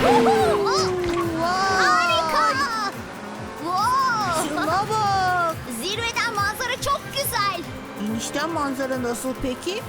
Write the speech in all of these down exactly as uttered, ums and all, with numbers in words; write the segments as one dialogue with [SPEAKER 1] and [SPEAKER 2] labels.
[SPEAKER 1] Harika! Wow!
[SPEAKER 2] Şuna bak.
[SPEAKER 1] Zirveden manzara çok güzel.
[SPEAKER 2] İnişten manzara nasıl peki?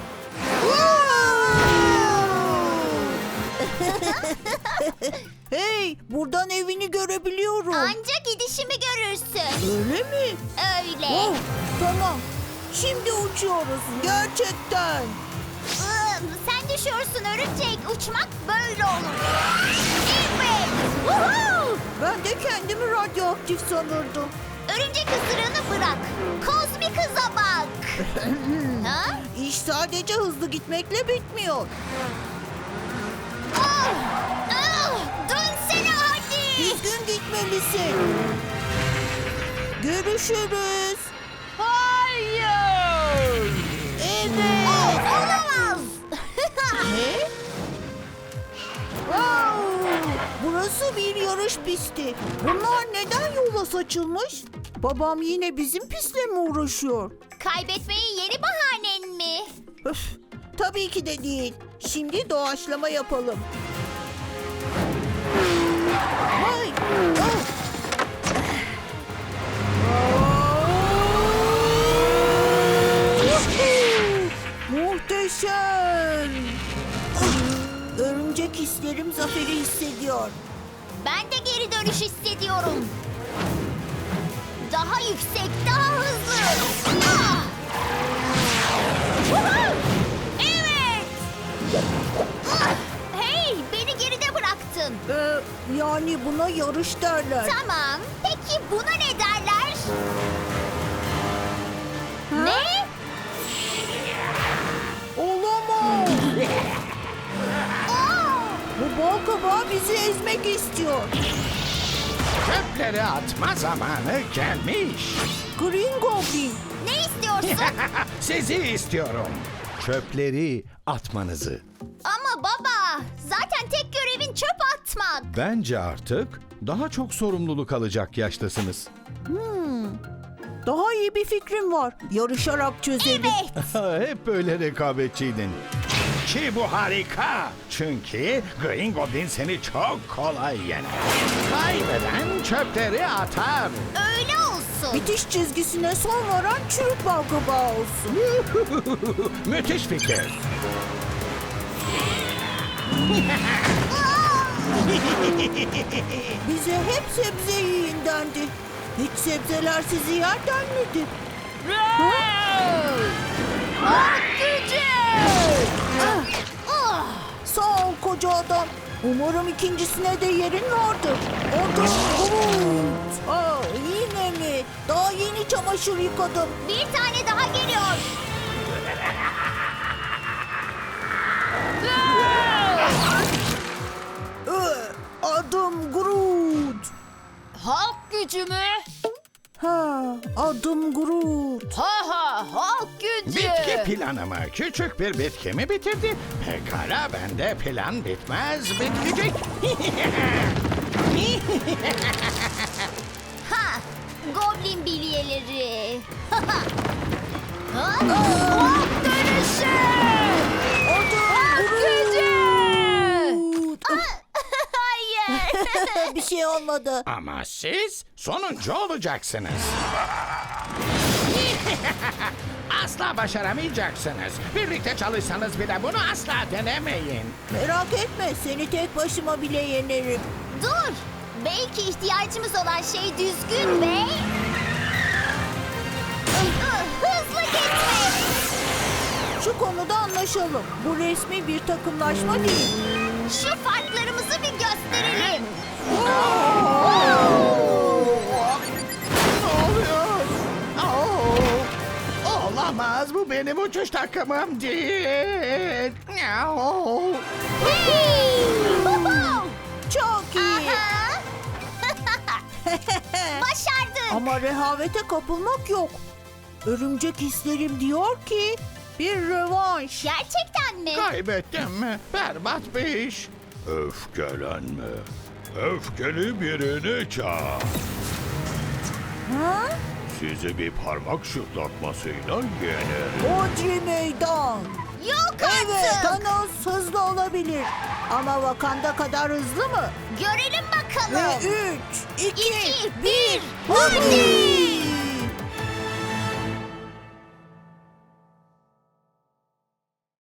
[SPEAKER 2] Hey, buradan evini görebiliyorum.
[SPEAKER 1] Anca gidişimi görürsün.
[SPEAKER 2] Öyle mi?
[SPEAKER 1] Öyle.
[SPEAKER 2] Oh, tamam. Şimdi uçuyoruz. Gerçekten.
[SPEAKER 1] Iı, Sen düşüyorsun örümcek. Uçmak böyle olur. Evet. Woohoo!
[SPEAKER 2] Ben de kendimi radyoaktif sanırdım.
[SPEAKER 1] Örümcek ısırığını bırak. Kozmik hıza bak. Ha?
[SPEAKER 2] İş sadece hızlı gitmekle bitmiyor.
[SPEAKER 1] Ah! Ah! Dönsene hadi.
[SPEAKER 2] Düzgün gitmelisin. Görüşürüz.
[SPEAKER 1] Hayır.
[SPEAKER 2] Evet.
[SPEAKER 1] Oh, olamaz.
[SPEAKER 2] Ne? Wow! Burası bir yarış pisti. Bunlar neden yola saçılmış? Babam yine bizim pistle mi uğraşıyor?
[SPEAKER 1] Kaybetmeyi yeni bahanen mi?
[SPEAKER 2] Öf, tabii ki de değil. Şimdi doğaçlama yapalım. Vay! Ah! Yuhuu! Muhteşem! Ah! Örümcek hislerim zaferi hissediyor.
[SPEAKER 1] Ben de geri dönüş hissediyorum. Daha yüksek, daha hızlı. Ah! Woohoo! Evet. Ah! Hey, beni geride bıraktın.
[SPEAKER 2] Ee, yani buna yarış derler.
[SPEAKER 1] Tamam. Peki buna ne derler?
[SPEAKER 2] Ha?
[SPEAKER 1] Ne?
[SPEAKER 2] Olamaz!
[SPEAKER 1] Aa!
[SPEAKER 2] Bu bal kabağı bizi ezmek istiyor.
[SPEAKER 3] Çöpleri atma zamanı gelmiş.
[SPEAKER 2] Green Goblin.
[SPEAKER 1] Ne istiyorsun?
[SPEAKER 3] Sizi istiyorum. Çöpleri atmanızı.
[SPEAKER 1] Ama baba, zaten tek görevin çöp atmak.
[SPEAKER 3] Bence artık daha çok sorumluluk alacak yaştasınız.
[SPEAKER 2] Daha iyi bir fikrim var. Yarışarak çözelim.
[SPEAKER 1] Evet.
[SPEAKER 3] Hep böyle rekabetçiydin. Ki bu harika. Çünkü Green Goblin seni çok kolay yener. Kaybeden çöpleri atar.
[SPEAKER 1] Öyle olsun.
[SPEAKER 2] Bitiş çizgisine son varan çürük bal kabağı olsun.
[SPEAKER 3] Müthiş fikir.
[SPEAKER 2] Bize hep sebze yiyin dendi. Hiç sebzeler sizi yer denmedi.
[SPEAKER 1] Ah, gücü!
[SPEAKER 2] Ah,
[SPEAKER 1] Ah!
[SPEAKER 2] sağ ol koca adam. Umarım ikincisine de yerin vardır. Orada Groot. Aa, yine mi? Daha yeni çamaşır yıkadım.
[SPEAKER 1] Bir tane daha geliyor.
[SPEAKER 2] Ee, adım Groot.
[SPEAKER 1] Halk gücü mü?
[SPEAKER 2] Ha, adım Groot.
[SPEAKER 1] Ha ha, halk gücü.
[SPEAKER 3] Bitki planımı küçük bir bitki mi bitirdi? Pekala bende plan bitmez bitecek.
[SPEAKER 1] Ha, goblin bilyeleri. Ha ha. Ha? Halk dönüşü. Halk gücü.
[SPEAKER 2] Groot.
[SPEAKER 1] Hayır.
[SPEAKER 2] Bir şey olmadı.
[SPEAKER 3] Ama siz sonuncu olacaksınız. Asla başaramayacaksınız. Birlikte çalışsanız bile bunu asla denemeyin.
[SPEAKER 2] Merak etme, seni tek başıma bile yenerim.
[SPEAKER 1] Dur. Belki ihtiyacımız olan şey düzgün ve... hızlı gitmek.
[SPEAKER 2] Şu konuda anlaşalım. Bu resmi bir takımlaşma değil.
[SPEAKER 1] Şu farklarımızı bir gösterelim.
[SPEAKER 3] Ne oluyor? Oo! Olamaz, bu benim uçuş takımım değil. Miau.
[SPEAKER 1] Hey! Huhu!
[SPEAKER 2] Çok iyi.
[SPEAKER 1] Aha! Başardık.
[SPEAKER 2] Ama rehavete kapılmak yok. Örümcek hislerim diyor ki bir rövanş.
[SPEAKER 1] Gerçekten mi?
[SPEAKER 3] Kaybettim mi? Berbat bir iş. Öfkelenme. Öfkeli birini çağır.
[SPEAKER 2] Ha?
[SPEAKER 3] Sizi bir parmak şıklatmasıyla yenerim.
[SPEAKER 2] Odri meydan.
[SPEAKER 1] Yok
[SPEAKER 2] Evet,
[SPEAKER 1] artık.
[SPEAKER 2] Thanos hızlı olabilir. olabilir. Ama Wakanda kadar hızlı mı?
[SPEAKER 1] Görelim bakalım.
[SPEAKER 2] Ve üç, iki,
[SPEAKER 1] İki,
[SPEAKER 2] bir,
[SPEAKER 1] hadi!